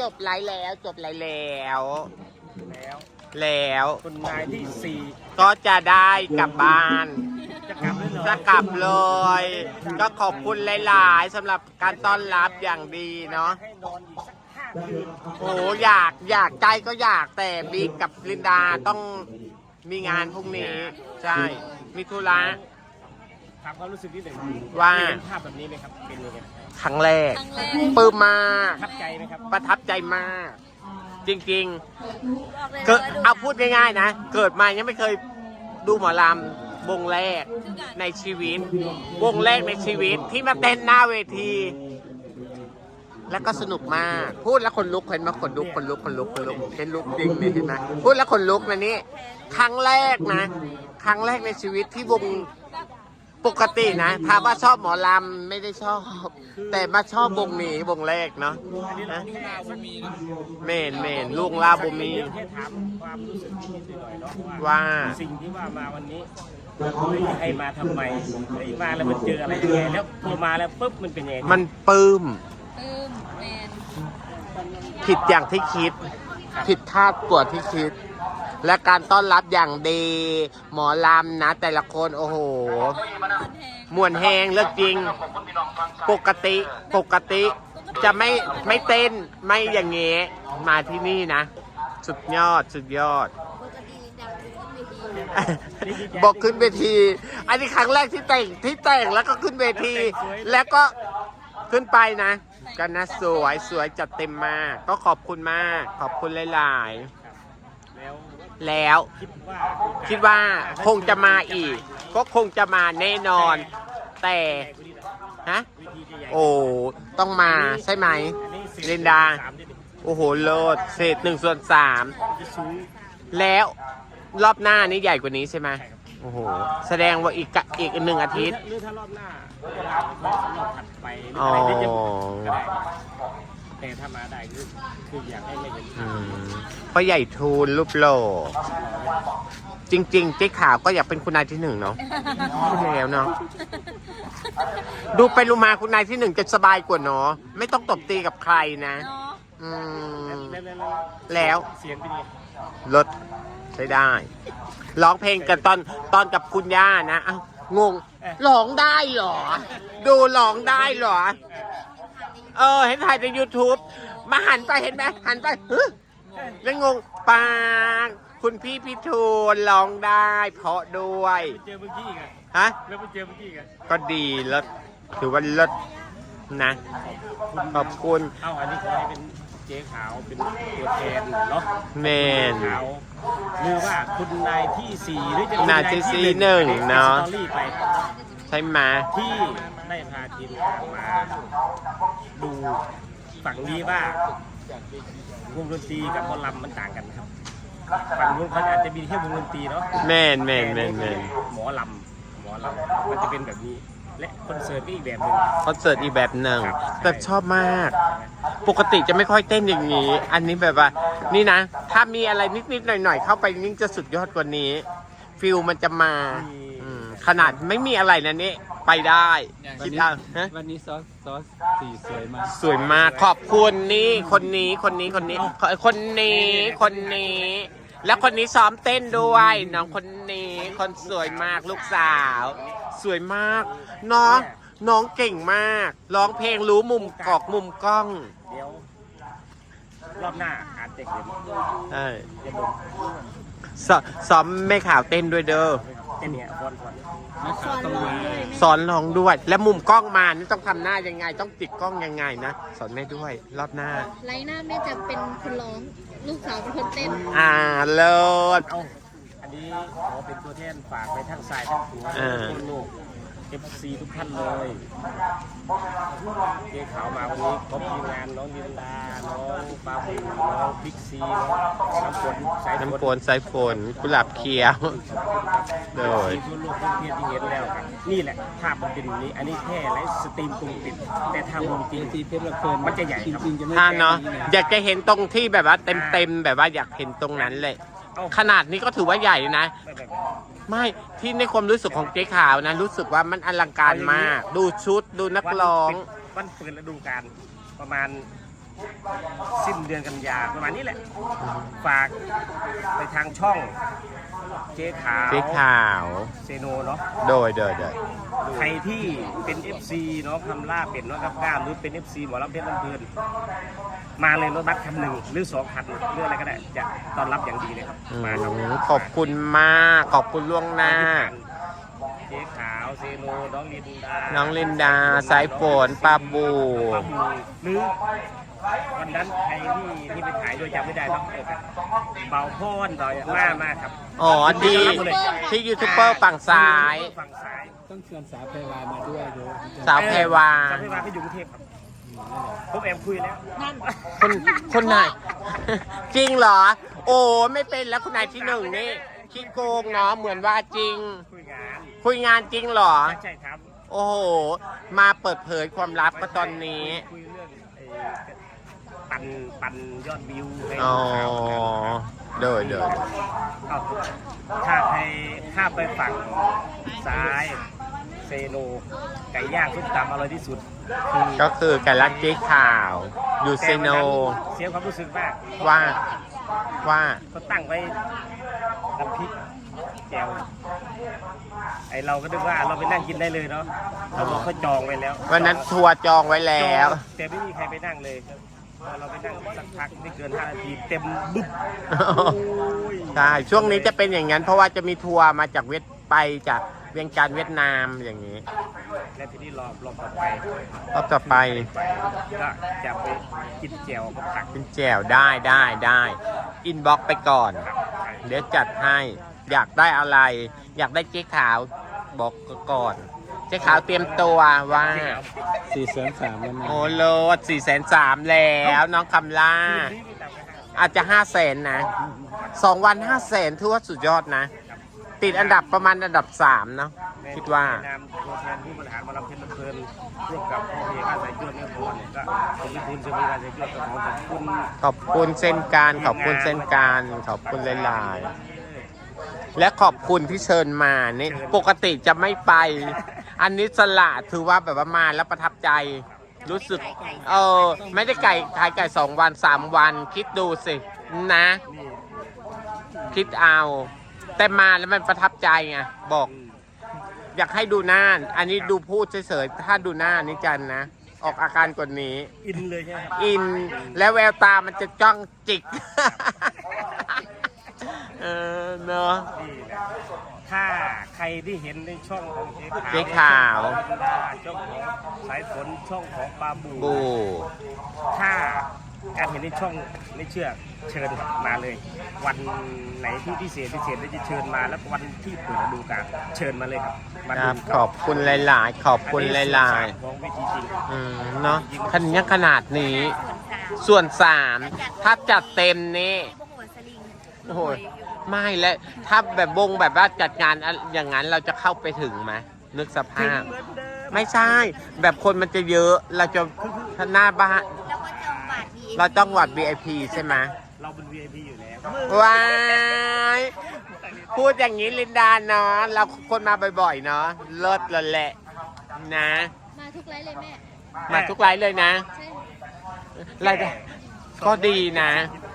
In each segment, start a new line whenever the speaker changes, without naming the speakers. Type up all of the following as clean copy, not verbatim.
บไลฟ์แล้วจบไลฟ์แล้ว
คุณนายที่สี่
ก็จะได้กลับบ้าน
จะกลับเลยเหรอ
จะกลับเลย ก็ขอบคุณหลายๆสำหรับการต้อนรับอย่างดีเนาะ
ให้นอนอีกสัก5 คืน
โอ้อยากใจก็อยากแต่บิ๊กกับลินดาต้องมีงานพรุ่งนี้ ใช่ มีธุระ
ถามความรู้สึกนิดหนึ่ง
ว่า
เห็นภาพแบบนี้ไหมครับเป็นยังไง
ครั้งแรกปลื้มมาก
ประทับใจไหมครับ
ประทับใจมาก จริง
บอกเลย
ๆ ก็
นะว่าดู
เอาพูดง่ายๆนะ เกิดมายังไม่เคยดูหมอลำวงแรกในชีวิต วงแรกในชีวิตที่มาเต้นหน้าเวที แล้วก็สนุกมาก พูดแล้วคนลุกเห็นไหมคนลุกเป็นลุกจริงเลยเห็นไหมพูดแล้วคนลุกนะนี่ครั้งแรกนะ ครั้งแรกในชีวิตที่วงปกตินะถามว่าชอบหมอลำไม่ได้ชอบ แต่มาชอบวงนี้วงแรกเนาะ
อันนี้เรา
นะ
แค่ว่ามี
เมนลุงลาบุมี
แค่ถามความรู้สึกนิดหน่อยเนาะ
ว่า
สิ่งที่ว่ามาวันนี้ให้มาทำไมไอ้มาแล้วมันเจออะไรยังไงแล้วพอมาแล้วปุ๊บมันเป็นยังไง
มันปลื้ม
แมน
ผิดอย่างที่คิด ผิดคาดกว่าที่คิด และการต้อนรับอย่างดี หมอลำนะ แต่ละคนโอ้โหมวนแหงเลิกจริง ปกติจะไม่เต้นไม่อย่างเงี้ยมาที่นี่นะ สุดยอด
ปกติดังขึ้นเวที
บอกขึ้นเวที อันนี้ครั้งแรกที่แต่งแล้วก็ขึ้นเวที แล้วก็ขึ้นไปนะกันนะสวยจัดเต็มมาก ก็ขอบคุณมาก ขอบคุณหลาย
แล้ว
ๆ แล้ว
คิดว่า
คงจะมาอีก ก็คงจะมาแน่นอน แต่ฮะ
วิธีจะใหญ่
โอ้ต้องมาใช่ไหม
อันนี้4
ลินดา
3นิดหนึ่ง
โอ้โหเลิศเศษ1/3
จะสูง
แล้วรอบหน้านี้ใหญ่กว่านี้ใช่ไหม
ใช่ครับ
โอ้โหแสดงว่าอีก1 อาทิตย์
หรือถ้ารอบหน้ารอบถัดไปหรือ
อ๋อ
อะไรได้ก็ได้แต่ถ้ามาได้คืออยากให้ไม่เห็น
อืมพ่อใหญ่ทูลรูปโลจริงๆเจ๊ขาวก็อยากเป็นคุณนายที่1เนาะพูดแล้วเนาะดูไปรูมาคุณนายที่1จะสบายกว่าเนาะไม่ต้องตบตีกับใครนะ
เนาะ
อืม
แล้ว
แล้ว
เสียงเป็นไง
รถใช้ได้ร้องเพลงกันตอนกับคุณย่านะอ้าวงงร้องได้เหรอ ดูร้องได้เหรอ เห็นถ่ายใน YouTube มาหันไปเห็นไหมหันไปแล้วงงปางคุณพี่พิทูลร้องได้เพราะด้วย
ไปเจอเมื่อกี้อีกอะ
ฮะ
แล้วไปเจอเมื่อกี้อีกอะ
ก็ดีเลิศถือว่าเลิศนะ ขอบคุณ
เอ้าอันนี้ขอให้เป็นเจ๊ขาวเป็นตัวแทนเนาะ
แมน
ขาวหรือว่าคุณนายที่4หรือจะเป็น
นายที่สี่หนึ่งเนาะ
สตอรี่ไป
ใช่ไหม
ที่ได้พาทีมข่าวมาดูฝั่งนี้ว่าวงดนตรีกับหมอลำมันต่างกันนะครับฝั่งนู้นเขาอาจจะมีแค่วงดนตรีเนาะ
แมน
หมอลำมันจะเป็นแบบนี้ และคอนเสิร์ตก็อีกแบบหนึง
คอนเสิร์ตอีกแบบหนึ่ง
ครับ
แต่ชอบมาก ปกติจะไม่ค่อยเต้นอย่างนี้ อันนี้แบบว่า นี่นะ ถ้ามีอะไรนิดๆหน่อยๆเข้าไปยิ่งจะสุดยอดกว่านี้ ฟิลมันจะมาขนาดไม่มีอะไรนะนี่ไปได้คิดเอาฮะ
วันนี้ซอสสีสวยมาก
สวยมากขอบคุณนี่คนนี้ แล้วคนนี้ซ้อมเต้นด้วยน้องคนนี้คนสวยมากลูกสาว สวยมากน้องเก่งมากร้องเพลงรู้มุมกอกมุมกล้อง
เดี๋ยว รอบหน้าอาจจะเห็น
ใช่
จะลง
ซ้อมแม่ข่าวเต้นด้วยเด้อ
เต้นเนี่ยก่อน
สอนร้องเลย
สอนร้องด้วย และมุมกล้องมานี่ต้องทำหน้ายังไง ต้องติดกล้องยังไงนะสอนแม่ด้วยรอบหน้า
ไลน์หน้าแม่จะเป็นคนร้อง ลูกสาวเป็นคนเต้น
เลิศ
เอาอันนี้ขอเป็นตัวแทนฝากไปทั้งสายทั้งหัว
อ่า
ทุกโลก FC ทุกท่านเลยเจ๊ขาวมาวันนี้ครบทีมงานน้องดินดาน้องปาบูน้องพิกซีน้องน้ำฝนสาย
น้ำฝนสายฝนกุหลาบเขียว โดย
ทั่วโลกทั่วเทียที่เห็นแล้วกันนี่แหละภาพมันเป็นอย่างนี้ อันนี้แค่ไลฟ์สตรีมตรงติด แต่ทางวงจริง
ทีเพชรละเพลิน
มันจะใหญ่ครับ
จริงๆจะไม่
ท่านเนาะ
แค่
อยากจะเห็นตรงที่แบบว่าเต็มแบบว่าอยากเห็นตรงนั้นเลย ขนาดนี้ก็ถือว่าใหญ่นะ
แบบ
ไม่ที่ในความรู้สึกของเจ๊ขาวนะ รู้สึกว่ามันอลังการมาก ดูชุดดูนักร้อง
วันเปิดฤดูกาลประมาณสิ้นเดือนกันยาประมาณนี้แหละ ฝากไปทางช่องเจ๊ขาว
เจ๊ขาว
เซโนเนาะ
โดย
ใครที่เป็น FC เนาะคำล่าเป็ดเนาะกับก้ามหรือเป็น FC หมอลำเพชรลำเพลินมาเลยรถบัสคันหนึ่งหรือ2 คันหรืออะไรก็ได้จะต้อนรับอย่างดีเลยครับมาครับ
ขอบคุณมาก ขอบคุณล่วงหน้า
เจ๊ขาวเซโนน้องลินดา
น้องลินดา สายฝนปาบู
ปาบูหรือวันนั้นใครที่ไปถ่ายด้วยจำไม่ได้ต้องเปิดเบาโพ่นต่อยมากครับ
อ๋อดีที่ยูทูบเบอร์ฝั่งซ้าย
ฝั่งซ้าย
ต้องเชิญสาวเพวามาด้วยเยอะ
สาวแพรวา
สาวเพรวาเขาอยู่กรุงเทพครับผมแอบคุยแล้วนั่น
คนไหน จริงเหรอ โอ้ไม่เป็นแล้วคุณนายที่หนึ่งนี่ขี้โกงเนาะเหมือนว่าจริง
คุยงาน
คุยงานจริงเหรอ
ใช่ครับ
โอ้โห มาเปิดเผยความลับก็ตอนนี้
คุยเรื่องปั่นยอดวิวให้
อ๋อ
ข่าว
โดย
เอาถ้าไปฝั่งซ้ายเซโนไก่ย่างซุปตำอร่อยที่สุดคือ
ก็คือการรักเจ๊ข่าว อยู่เซโน
เสียความรู้สึกมาก
ว่า
เขาตั้งไว้น้ำพริกแจ่วไอเราก็นึกว่าเราไปนั่งกินได้เลยเนาะเราบอกเขาจองไว้แล้ว
วันนั้นทัวร์จองไว้แล้ว
แต่ไม่มีใครไปนั่งเลยครับพอเราไปนั่งสักพักไม่เกิน5 นาทีเต็มบึ้มโอ้ย
ใช่ ช่วงนี้จะเป็นอย่างนั้น เพราะว่าจะมีทัวร์มาจากไปจากเวียงจันทร์เวียดนามอย่างนี้
และทีนี้รอบต่อไป
รอบต่อไป
ก็จะไปกินแจ่วกับผัก
เป็นแจวได้อินบ็อกไปก่อน เดี๋ยวจัดให้ อยากได้อะไร อยากได้เจ๊ขาวบอกก่อน เจ๊ขาวเตรียมตัวว่า
403แล้วนะ
โอ้โลด430,000แล้วน้องคำล่า
ที่มีต่างกัน
อาจจะ500,000นะ2 วัน500,000ถือว่าสุดยอดนะ ติดอันดับประมาณอันดับ3เนาะคิดว่า
ในนามตัวแทนผู้บริหารมาลำเพลินลำเพลินร่วมกับพ่อเอกอาศัยจวดเนี่ยผมเนี่ยก็ผมพิคุณจะมีอาศัยจวดกับขอบคุณ
ขอบคุณเส้นการขอบคุณเส้นการขอบคุณหลายๆและขอบคุณที่เชิญมานี่ปกติจะไม่ไป อันนี้สละถือว่าแบบว่ามาแล้วประทับใจ รู้สึกไม่ได้ไก่ขายไก่2 วัน3 วันคิดดูสินะ คิดเอา แต่มาแล้วมันประทับใจไงบอก อยากให้ดูหน้า อันนี้ดูพูดเฉยๆถ้าดูหน้านี่จันนะ ออกอาการกว่านี้
อินเลยใช่ไหมครับ
อินและแววตามันจะจ้องจิก เนาะ
นี่แหละถ้าใครที่เห็นในช่องของเจ๊
เจ๊
ขาว
ขาว
ช่องของสายฝนช่องของปลาบู
บู
ถ้าการเห็นในช่องไม่เชื่อเชิญมาเลย วันไหนที่พิเศษเราจะเชิญมาแล้ววันที่เปิดฤดูกาลเชิญมาเลยครับมา
ค
ดู
รับขอบคุณหลายๆ ขอบคุณหลาย
ๆของวิธีจริง
ๆเนาะคันนี้ขนาดนี้ ส่วน 3 ถ้าจัดเต็มนี่
พวกหัวสลิง
โอ้โหไม่และถ้าแบบแบบว่าจัดงานอย่างนั้นเราจะเข้าไปถึงไหมนึกสภาพ
เหมือนเดิม
ไม่ใช่ แบบคนมันจะเยอะเราจะหน้าบ้าน
แล้วก็จองบัตร VIP
เราต้องวัด VIP ใช่ไหม
เราเป็น VIP อยู่แล้ว
ว้ายพูดอย่างนี้ลินดาเนาะเราคนมาบ่อยๆเนาะเลิศเลยแหละนะ
มาทุกไลฟ์เลยแม่
มาทุกไลฟ์เลยนะ
ใช่
รายได้ก็ดีนะ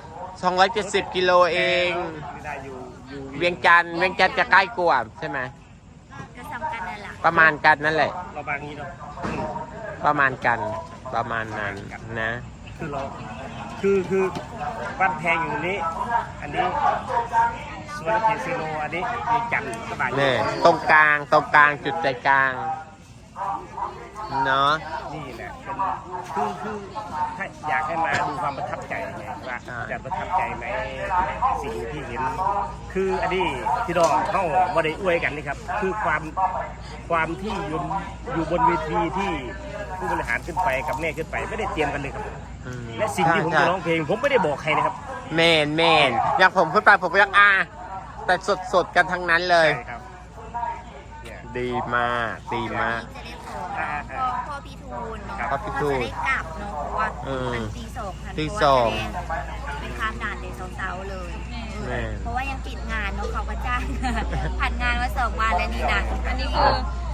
270 กิโลเอง
ไม่ได้อยู่
เวียงจันทร์จะใกล้กว่าใช่ไหม
ก็สำคัญนั่นแหละ
ประมาณกันนั่นแหละ
เราบางนี้เนาะ
ประมาณกันประมาณนั้นนะ
คือเราคือบ้านแพงอยู่นี้ อันนี้สวนเทซิโนอันนี้มีจันทร์สบาย
เนี่ยตรงกลางจุดใจกลางเนาะ
นี่แหละเป็นคือถ้าอยากให้มาดูความประทับใจไงว่าจะประทับใจไหมสิ่งที่เห็น คืออันนี้ที่น้องเขาไม่ได้อวยกันนี่ครับ คือความที่อยู่บนเวทีที่ผู้บริหารขึ้นไปกับแม่ขึ้นไปไม่ได้เตรียมกันเลยครับ
อืม
และสิ่งที่ผมจะร้องเพลง ผมไม่ได้บอกใครนะครับ
แมนอย่างผมขึ้นไปผมก็ยังแต่สดกันทั้งนั้นเลย
ใช่ครับเนี่ย
ดีมากดีมาก
จะได้ขอพ่อพี่ทูลเนาะ
พ่อพี่ทูล
จะได้กลับเนาะเพราะว่ามันตี 2 ค่ะ
ตี
เพ
ส
ราะ
อ
ว่าง จะเป็นข้ามด่านเดย์เสาร์เลย
แม่
เพราะว่ายังปิดงานเนาะเขาก็จ้าง ผ่านงานมา2 วันแล้วนี่นะ
อันนี้คือ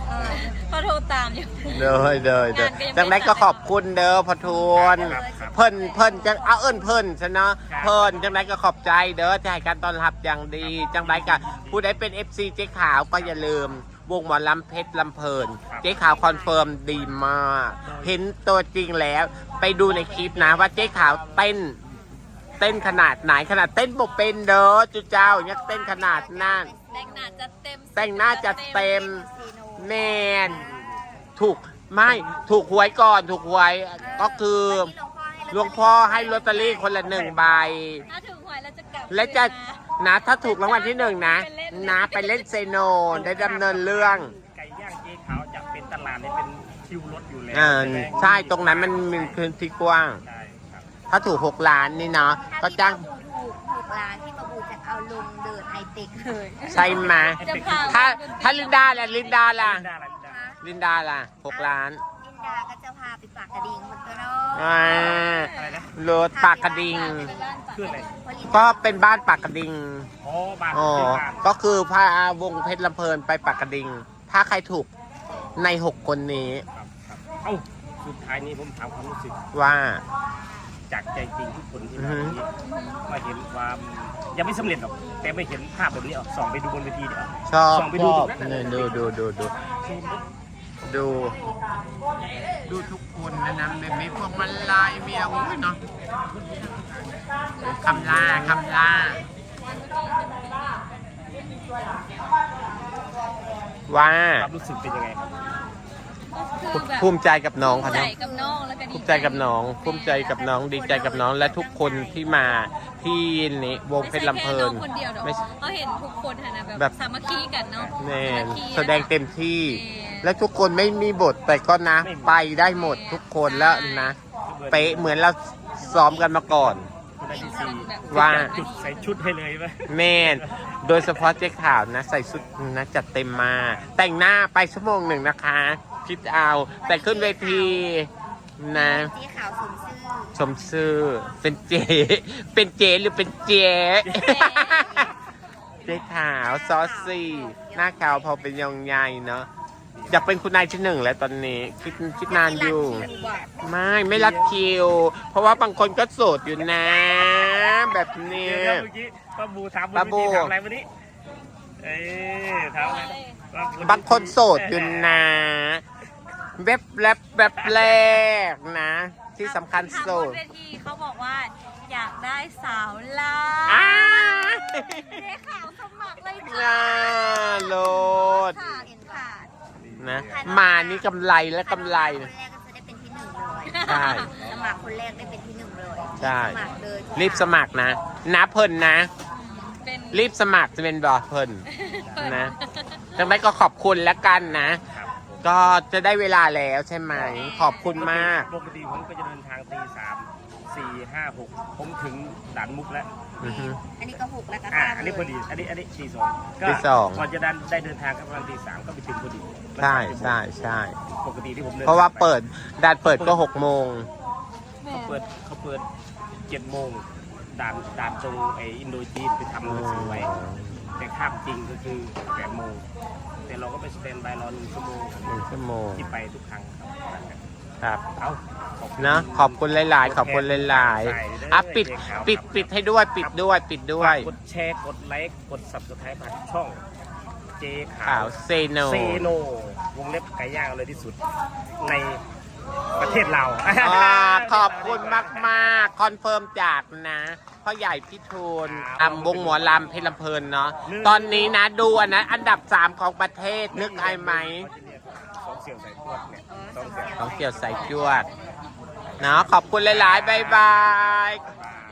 เขาโทรตามอยู่
เด้อจังไดก็ขอบคุณเด้อพอทวนเพิ่นจะเอาเพิ่นซะเนาะเพิ่นจังไดก็ขอบใจเด้อที่ให้การต้อนรับอย่างดี จังไดก็ผู้ใดเป็น FC เจ๊ขาวก็อย่าลืมวงหมอลำเพชรลำเพลินเจ๊ขาวคอนเฟิร์มดีมากเห็นตัวจริงแล้วไปดูในคลิปนะว่าเจ๊ขาวเต้นขนาดไหนขนาดเต้นบกเป็นเด้อจุเจ้ายังเต้นขนาดนั้น
แต่งหน้าจัดเต็ม
แต่งหน้าจัดเต็มแมนถูกหวยก่อนถูกหวยก็คือหลวงพ่อให้ลอตเตอรี่คนละ1 ใบ
ถ้าถึงหวยเราจะกลับ
และจะนะถ้าถูกรางวัลที่ 1นะไปเล่นเซโนได้ดำเนินเรื่อง
ไก่ย่างเจ๊ขาวจะเป็นตลาดเนี่ยเป็นคิวรถอยู่แล้ว
ใช่ตรงนั้นมันมีพื้นที่กว้าง
ใช่ครับ
ถ้าถูก6 ล้านนี่เนาะก็จ้าง
ถูกร้านที่มาบูจะเอาลงเดินไฮเทคเลย
ใช่ไหม
จะพา
ถ้าลินดาล่ะ
ลินดาอะไรลินดา
6 ล้าน
ลินดาก็จะพาไปปากกระดิ่งคนตัวน้อย
อะไรนะ
รถปากกระดิ่ง
คืออะไร
ก็เป็นบ้านปากกระดิ่ง
อ๋อบ้าน
อ๋อ
ที่บ้าน
ก็คือพาวงเพชรลำเพลินไปปากกระดิ่งถ้าใครถูกใน6 คนนี้
ครับเอ้าสุดท้ายนี้ผมถามความรู้สึก
ว่า
จากใจจริงทุกคนที่มาวันนี้มาเห็นความยังไม่สำเร็จหรอกแต่ไม่เห็นภาพแบบนี้อ่ะส่องไปดูบนเวทีเดี๋ยว
ชอบ
ส่องไป
ช
ดู
อ
ตร
บ
งนั้น
เนี่ย
น่ะ
ดูทุกคนนะแบบมีพวงมาลัยมีอาวุธเนาะคำล่าว่า
ความรู้สึกเป็นยังไงครับ
คือแบบ
ภูมิใจกับน้องค่ะ
ใจ
เนาะ
กับน้องแล้วก็ดี
ภูมิใจกับน้องดีใจกับน้องและทุกคนที่มาที่นี่วงเพชรลำเพลิน
ไม่ใช่แค่น้องคนเดียวหรอก
ไม่
เขาเห็นทุกคนนะ
แบ
แบบ บสามัคคีกันเนาะ
แน่
สามัคคี
แสดงเต็มที่
แน่
และทุกคนไม่มีบทแต่ก็นะ ไปได้หมดทุกคนแล้วนะเป๊ะเหมือนเราซ้อมกันมาก่อน
คุณได้ที่สี่
ว่า
จุดใส่ชุดให้เลยไหม
แม่นโดยเฉพาะเจ๊ข่าวนะ ใส่ชุดนะจัดเต็มมา แต่งหน้าไป1 ชั่วโมงนะคะ คิดเอา แต่ขึ้นเวทีนะ
สีขาวสมชื่อ
ชมชื่อเป็นเจหรือเป็นเจ๊ เจ๊ขาวซอสซี่หน้าขาวพอเป็นยองใหญ่เนาะอยากเป็นคุณนายที่ 1แล้วตอนนี้คิดนานอยู่ ไม่รัดคิว เพราะว่าบางคนก็โสดอยู่นะ แบบนี้
เดี๋ยวเมื่อกี้ป้าบูถามบน
ป้า
เว
บู
ทีถามอะไรวันนี้เอ้ยถามอะไรป้บู
บางคนโสดอยู่นะเว็บแรกนะ ที่สำคัญโส
ถามบ
ด
นเวทีเขาบอกว่าอยากได้สาวลา
อ้า
เจ๊ขาวสมัครเลย
น่า
ค่ะ
โลด
ขาดเห็นขาด
นะมานี่กำไรและกำไร
คนแรกก็จะได้เป็นที่ 1เลย
ใช่
สมัครคนแรกได้เป็นที่ 1เลย
ใช่
สมัครเลย
รีบสมัครนะเพิ่นนะ
เป็น
รีบสมัครจะเป็นบอเพิ่นนะจังไดก็ขอบคุณแล้วกันนะ
ครับ
ก็จะได้เวลาแล้วใช่ไหม ขอบคุณมาก
ปกติผมก็จะเดินทางตี 3 4 5 6ผมถึงด่านมุกแล้ว
อือฮึ
อันนี้ก็6แล้วก็
อันนี้พอดีอันนี้ตี 2ก็
ตีสอง
ก่อนจะได้เดินทางก็ประมาณตี 3ก็ไปถึงพอดี
ใช่
ปกติที่ผมเดิน
เพราะว่าเปิดด่านเปิดก็6 โมง
เขาเปิด7 โมงด่านตรงไออินโดจีนไปทำหนังสือไว้แต่ข้ามจริงก็คือ8 โมงแต่เราก็ไปสแตนบายรอ1 ชั่วโมง
1 ชั่วโมง
ที่ไปทุกครั้ง
ครับ
เอาขอบคุณ
นะขอบคุณหลายๆ ขอบคุณหลายๆอ่ะปิดให้ด้วยปิดด้วย
ฝากกดแชร์กดไลค์กด Subscribe ผ่านช่องเจขา
ข่าว วเซโน
เซโนวงเล็บไก่ย่างเลยที่สุดในประเทศเรา
ขอบคุณมากๆ คอนเฟิร์มจากนะพ่อใหญ่พี่ทูลวงหมอลำเพชรลำเพลินเนาะตอนนี้นะดูอันดับ 3 ของประเทศนึกอายไหม
สองเสี่ยวใส่พวกเนี่ยสองเสี่ยว
ของเกี่ยวใส่จวดเนาะขอบคุณหลายๆ บ๊ายบาย
บาย